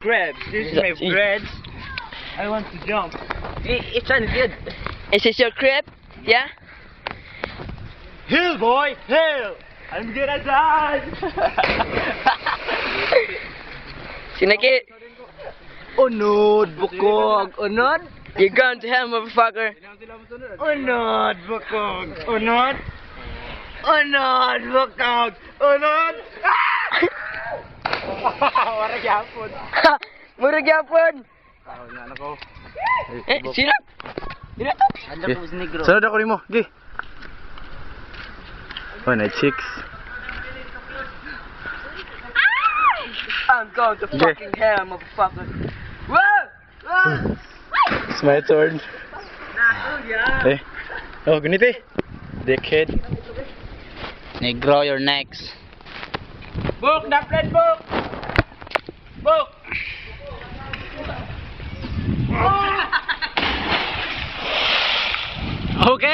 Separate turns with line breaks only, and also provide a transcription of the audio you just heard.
crabs. This is my crabs. I want to jump. It's not good.
Is this your crib? Yeah?
Hill, boy, hill. I'm good at that.
Sinaki,
Unod, bukog, unod.
you're going to hell, motherfucker.
Unod, bukog, unod. Unod, bukog, unod. Wala gyapon.
Murag yapon.
Ano ko?
Sino? Sino to?
Ano po si negro?
Sunod ako nimo. Gi. Oh, night chicks.
I'm going to fucking hell, motherfucker. Whoa! Whoa!
It's my turn. Eh. Oh, ganito eh. Dickhead.
Negro, you're next.
Book the plate, book! Book!
Okay.